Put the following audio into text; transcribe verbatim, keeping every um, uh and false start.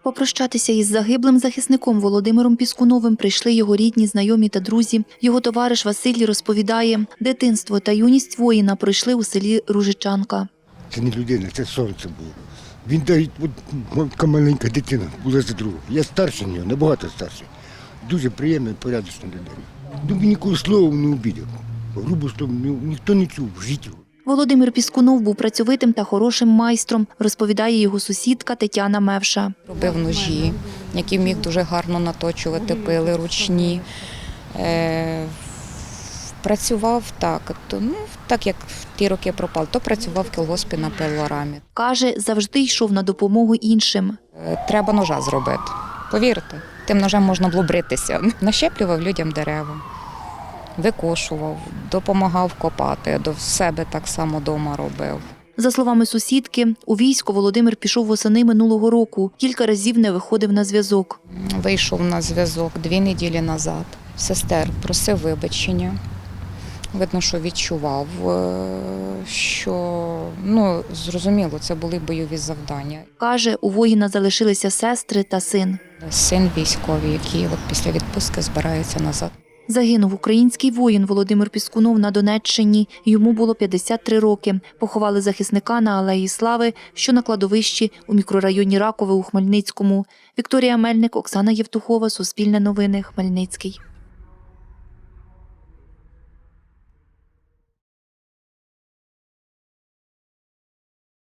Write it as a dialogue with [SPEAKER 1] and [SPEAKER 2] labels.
[SPEAKER 1] Попрощатися із загиблим захисником Володимиром Піскуновим прийшли його рідні, знайомі та друзі. Його товариш Василь розповідає, дитинство та юність воїна пройшли у селі Ружичанка.
[SPEAKER 2] Це не людина, це сонце було. Він навіть, от, така маленька дитина була за другого. Я старший нього, набагато старший. Дуже приємна і порядочна людина. Ну, він ніколи словом не обідав. Грубо словом ні, ніхто не чув в житті.
[SPEAKER 1] Володимир Піскунов був працьовитим та хорошим майстром, розповідає його сусідка Тетяна Мевша.
[SPEAKER 3] Робив ножі, які міг дуже гарно наточувати, пили ручні. Е, працював так, то, ну, так як в ті роки пропав, то працював в колгоспі на пилорамі.
[SPEAKER 1] Каже, завжди йшов на допомогу іншим.
[SPEAKER 3] Е, треба ножа зробити, повірте. Тим ножем можна було бритися. Нащеплював людям дерева, викошував, допомагав копати, до себе так само вдома робив.
[SPEAKER 1] За словами сусідки, у військо Володимир пішов восени минулого року. Кілька разів не виходив на зв'язок.
[SPEAKER 3] Вийшов на зв'язок дві неділі назад. Сестер просив вибачення. Видно, що відчував, що, ну, зрозуміло, це були бойові завдання.
[SPEAKER 1] Каже, у воїна залишилися сестри та син.
[SPEAKER 3] Син військовий, який от після відпустки збирається назад.
[SPEAKER 1] Загинув український воїн Володимир Піскунов на Донеччині. Йому було п'ятдесят три роки. Поховали захисника на Алеї Слави, що на кладовищі у мікрорайоні Ракове у Хмельницькому. Вікторія Мельник, Оксана Євтухова, Суспільне новини, Хмельницький.